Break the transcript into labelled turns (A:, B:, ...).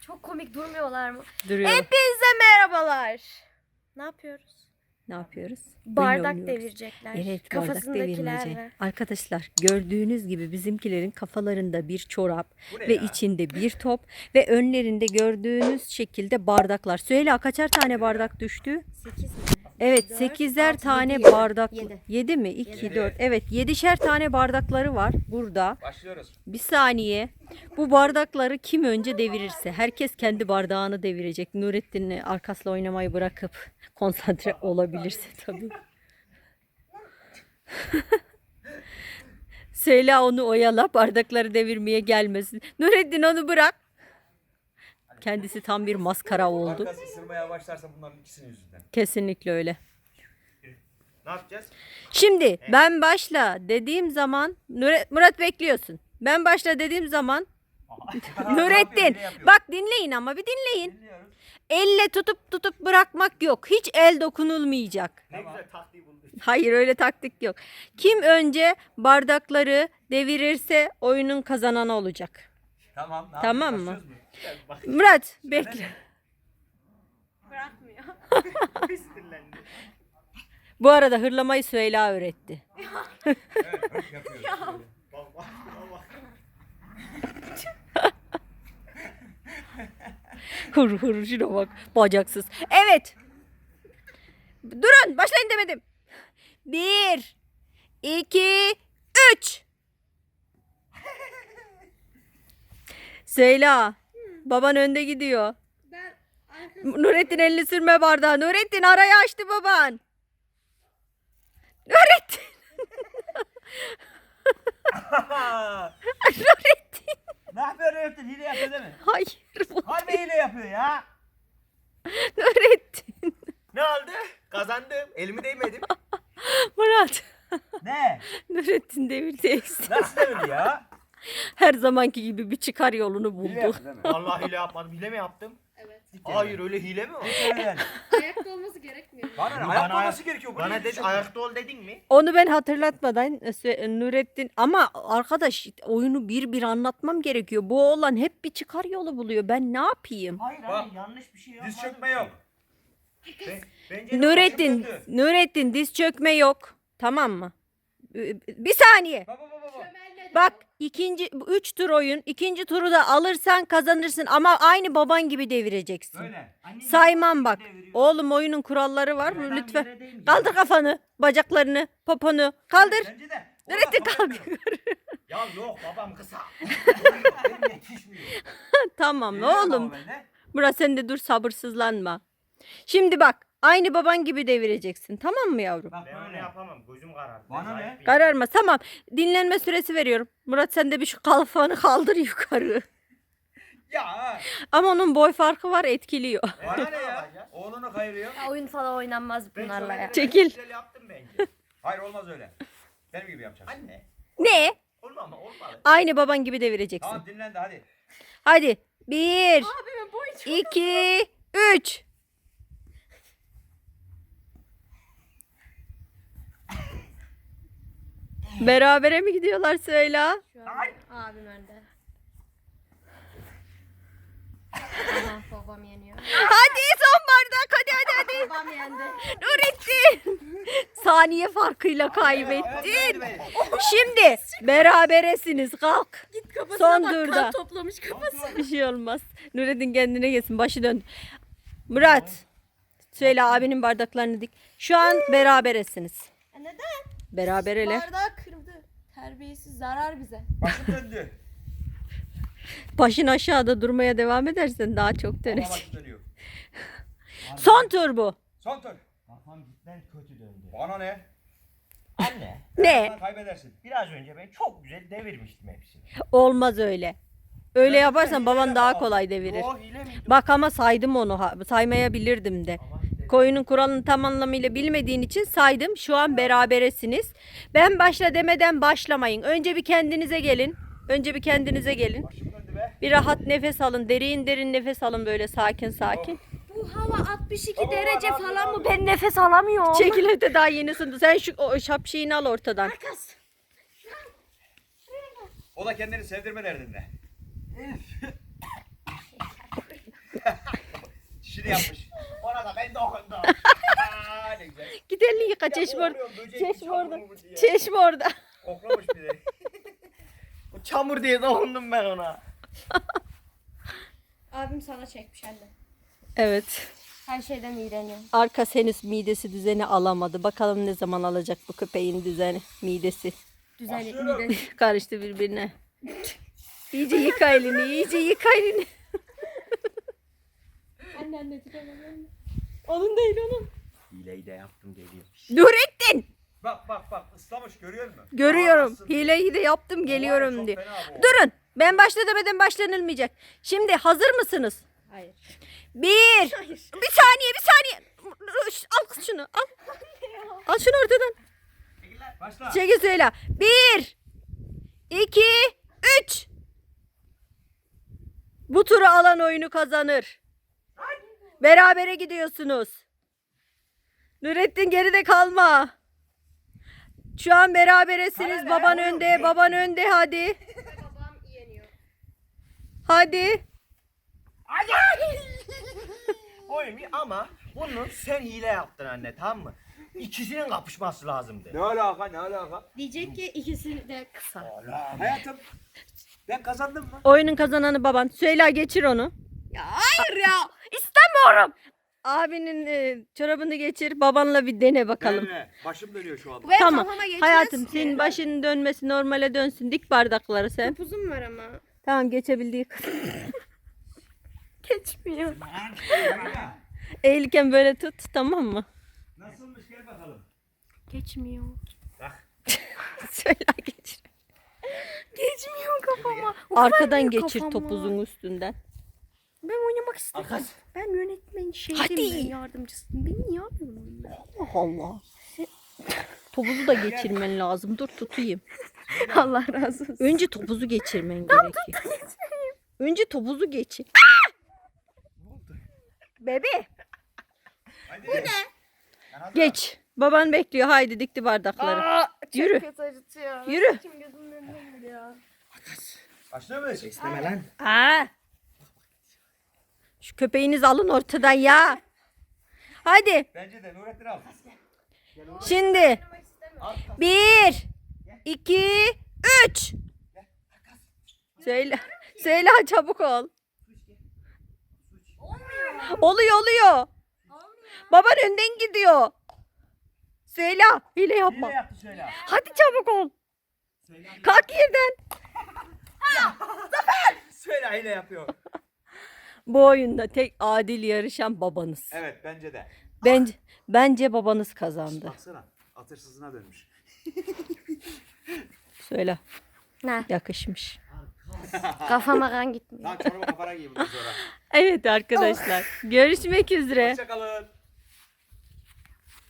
A: Çok komik durmuyorlar mı?
B: Duruyor.
A: Hepinize merhabalar. Ne yapıyoruz?
B: Ne yapıyoruz?
A: Bardak
B: Oyun oynuyoruz.
A: devirecekler.
B: Evet, bardak
A: Kafasındakiler
B: devirmece.
A: var.
B: Arkadaşlar gördüğünüz gibi bizimkilerin kafalarında bir çorap
C: ne
B: ve
C: ya?
B: içinde bir top ve önlerinde gördüğünüz şekilde bardaklar. Süheyla kaçar tane bardak düştü?
A: 8 mi?
B: Evet,
A: Dört,
B: 8'er
A: altı,
B: tane
A: yedi, yedi.
B: bardak.
A: Yedi.
B: 7 mi? 2,
C: Yedi.
B: 4. Evet, 7'şer tane bardakları var burada.
C: Başlıyoruz.
B: Bir saniye. Bu bardakları kim önce devirirse herkes kendi bardağını devirecek. Nurettin arkasıyla oynamayı bırakıp konsantre olabilirse tabii. Söyle onu oyala, bardakları devirmeye gelmesin. Nurettin onu bırak. Kendisi tam bir maskara oldu.
C: Arkası ısırmaya başlarsa bunların ikisinin yüzünden.
B: Kesinlikle öyle.
C: Ne yapacağız?
B: Şimdi ben başla dediğim zaman Murat bekliyorsun. Ben başla dediğim zaman Nurettin bak dinleyin ama bir dinleyin.
C: Dinliyoruz.
B: Elle tutup bırakmak yok. Hiç el dokunulmayacak.
C: Ne güzel taktiği bulduk.
B: Hayır öyle taktik yok. Kim önce bardakları devirirse oyunun kazananı olacak.
C: Tamam. Ne
B: Tamam
C: yapıyoruz?
B: mı?
C: Başlıyoruz mu? Gel bak.
B: Murat bekle.
A: Bırakmıyor.
C: Sinirlendi.
B: Bu arada hırlamayı Süheyla öğretti.
C: Evet, bak yapıyoruz. Bak bak bak.
B: Hır şuna bak. Bacaksız. Evet. Durun başlayın demedim. 1, 2, 3. Süheyla. Baban önde gidiyor.
A: Ben
B: Nurettin elini sürme bardağı. Nurettin arayı açtı baban. Nurettin. Nurettin.
C: Ne yapıyor Öğretmen? Hile yapıyor değil mi?
B: Hayır.
C: Harbi hile yapıyor ya.
B: Nurettin.
C: Ne oldu? Kazandım. Elimi değmedim.
B: Murat.
C: Ne?
B: Nurettin devirdeyiz.
C: Nasıl devir ya?
B: Her zamanki gibi bir çıkar yolunu buldu.
C: değil mi? Vallahi hile yapmadım. Hile mi yaptım?
A: evet.
C: Hayır öyle hile mi var?
A: Ayakta olması gerekmiyor.
C: Bana ayakta olması gerekiyor. Bana dedi ayakta ol dedin mi?
B: Onu ben hatırlatmadan Nurettin ama arkadaş oyunu bir anlatmam gerekiyor. Bu oğlan hep bir çıkar yolu buluyor. Ben ne yapayım?
C: Hayır abi yanlış bir şey yapmadım. Diz çökme yok. Bence de
B: Nurettin,
C: başım döndü.
B: Nurettin diz çökme yok. Tamam mı? Bir saniye.
C: Baba baba baba.
B: Bak ikinci 3 tur oyun. İkinci turu da alırsan kazanırsın ama aynı baban gibi devireceksin.
C: Böyle. Anne
B: Saymam bak.
C: deviriyor.
B: Oğlum oyunun kuralları var.
C: Ben
B: Lütfen.
C: yere değmeyeceğim.
B: Kaldır kafanı, bacaklarını, poponu. Kaldır.
C: Bence de.
B: Nurettin
C: Ulan,
B: kalk.
C: kabul etmiyorum. Ya yok babam kısa. Benim yetişmiyor.
B: Tamam
C: Biliyorum
B: oğlum.
C: ama ben de.
B: Murat sen de dur sabırsızlanma. Şimdi bak aynı baban gibi devireceksin. Tamam mı yavrum?
C: Bak
D: Ben onu
C: böyle.
D: yapamam. Gözüm karardı.
C: Bana
D: Zayıf
C: ne?
D: bir-
B: Kararma tamam. Dinlenme süresi veriyorum. Murat sen de bir şu kafanı kaldır yukarı.
C: Ya.
B: Ama onun boy farkı var etkiliyor.
C: Bana ne ya? Oğlunu kayırıyor.
A: Ya, oyun falan oynanmaz
C: Ben
A: bunlarla ya.
C: söyledim,
B: Çekil.
C: Güzel yaptım bence. Hayır olmaz öyle. Benim gibi yapacaksın. Anne.
B: Ne?
C: Olmaz mı? Olmadı.
B: Aynı baban gibi devireceksin.
C: Tamam dinlen de hadi.
B: Hadi. 1,
A: Abimin boyu çok
B: 2, 3. Berabere mi gidiyorlar Süheyla?
A: şu an. Abim önde. Aha babam yeniyor.
B: Hadi son bardak hadi.
A: Babam yendi.
B: Nurettin. Saniye farkıyla kaybettin. Şimdi beraberesiniz kalk.
A: Git kafasına
B: Son
A: bak
B: turda.
A: kan toplamış kafası.
B: Bir şey olmaz. Nurettin kendine gelsin başı dön. Murat. Söyle abinin bardaklarını dik. Şu an beraberesiniz.
A: Neden?
B: Berabereler.
A: Bardağı kırdı. Terbiyesiz zarar bize.
C: Başım döndü.
B: Başın aşağıda durmaya devam edersen daha çok
C: Ama
B: dönecek.
C: başım dönüyor.
B: Son tur bu.
C: Son tur.
D: Kafam cidden kötü döndü.
C: Bana ne?
D: Anne.
B: Ne?
C: Sen kaybedersin.
D: Biraz önce ben çok güzel devirmiştim hepsini.
B: Olmaz öyle. Öyle
C: Ben
B: yaparsan
C: hile
B: baban daha
C: yapamam.
B: kolay devirir.
D: Yok hile miydi?
B: Bak ama saydım onu. Saymayabilirdim de. Koyunun kuralını tam anlamıyla bilmediğin için saydım. Şu an beraberesiniz. Ben başla demeden başlamayın. Önce bir kendinize gelin. Önce bir kendinize gelin.
C: Başım döndü be.
B: Bir rahat nefes alın. Derin nefes alın böyle sakin sakin.
A: Bu hava 62
C: Baba,
A: derece
C: baba,
A: falan
C: baba.
A: mı? Ben nefes alamıyorum.
B: Çekil öte daha yeni ısındı. Sen şu o şapşiğini al ortadan.
A: Kız.
C: O da kendini sevdirme derdinde. dişini yapmış.
D: Ona da ben dokundum. Ne güzel.
B: Git elini yıka çeşme orada.
D: Korkuyorum, böcek
B: Çeşme
D: çamur
B: orada.
D: mu diye.
B: Çeşme orada.
C: Koklamış bir de.
D: O çamur diye dokundum ben ona.
A: Abim sana çekmiş anne.
B: Evet.
A: Her şeyden iğreniyor.
B: Arka henüz midesi düzeni alamadı. Bakalım ne zaman alacak bu köpeğin düzeni, midesi.
A: Düzenli
C: Başlıyorum.
A: mide.
B: Karıştı birbirine. İyice yıka elini, iyice yıka elini.
A: Anne tutamam.
B: Onun değil onun.
D: Hileyi de yaptım geliyor.
B: Nurettin!
C: Bak ıslamış görüyor musun?
B: Görüyorum.
C: Ağlasın.
B: Hileyi de yaptım,
C: Olay
B: geliyorum
C: çok
B: diye.
C: fena bu.
B: Durun. Ben başla demeden başlanılmayacak. Şimdi hazır mısınız?
A: Hayır.
B: Bir saniye. Al kız şunu. Al. Al şunu ortadan.
C: Başla.
B: Çekil söyle. 1 2 3. Bu turu alan oyunu kazanır. Berabere gidiyorsunuz. Nurettin geride kalma. Şu an beraberesiniz. Baban önde, baban önde hadi.
A: Babam yeniyor.
B: Hadi.
D: Oyun ama bunu sen hile yaptın anne, tamam mı? İkisinin kapışması lazımdı.
C: Ne alaka?
A: Diyecek ki ikisi de kısa.
C: Hayatım ben kazandım mı?
B: Oyunun kazananı baban. Süheyla geçir onu.
A: Ya hayır ya.
B: İstemiyorum. Abinin çorabını geçir. Babanla bir dene bakalım.
C: Başım dönüyor şu anda.
A: Benim
B: Tamam.
A: kafama geçmez
B: Hayatım
A: ki.
B: senin başının dönmesi normale dönsün. Dik bardakları sen.
A: Topuzum var ama.
B: Tamam geçebildiği kadar.
A: Geçmiyor.
B: Eğilirken böyle tut tamam mı?
C: Nasılmış gel bakalım.
A: Geçmiyor.
B: Söyle geçir.
A: Geçmiyor kafama.
B: Arkadan
A: Ufak
B: geçir
A: kafama.
B: topuzun üstünden.
A: Ben oynamak istiyorum.
D: Arkas.
A: Ben yönetmen şeydim.
B: Hadi.
A: Ben yardımcısıyım. Beni niye yapıyorsun?
B: Allah Allah. Topuzu da geçirmen lazım. Dur tutayım.
A: Allah razı olsun.
B: Önce topuzu geçirmen gerekiyor. Önce topuzu geçir. Bebe.
C: Hadi. Bu ne?
B: Geç. Baban bekliyor. Haydi dikti bardakları. Yürü.
A: Çok kötü acıtıyor.
B: Yürü.
A: Kim gözümün önünden geliyor.
C: Başlıyor muyuz?
D: İsteme lan.
B: Aa. Şu köpeğinizi alın ortadan ya. Hadi.
C: Bence de Nurettin al.
B: Şimdi. 1 2 3. Söyle çabuk ol. Oluyor. Baban önden gidiyor. Söyle. Hile yapma.
D: Hile yaptı söyle.
B: Hadi çabuk ol. Kalk yerden.
C: Söyle hile yapıyor.
B: Bu oyunda tek adil yarışan babanız.
C: Evet bence de.
B: Bence babanız kazandı.
C: Baksana atırsızına dönmüş.
B: Söyle.
A: Ne?
B: Yakışmış.
A: Kafama kan gitmiyor.
C: Lan çorba kafana giy bundan sonra.
B: Evet arkadaşlar. Görüşmek üzere.
C: Hoşçakalın.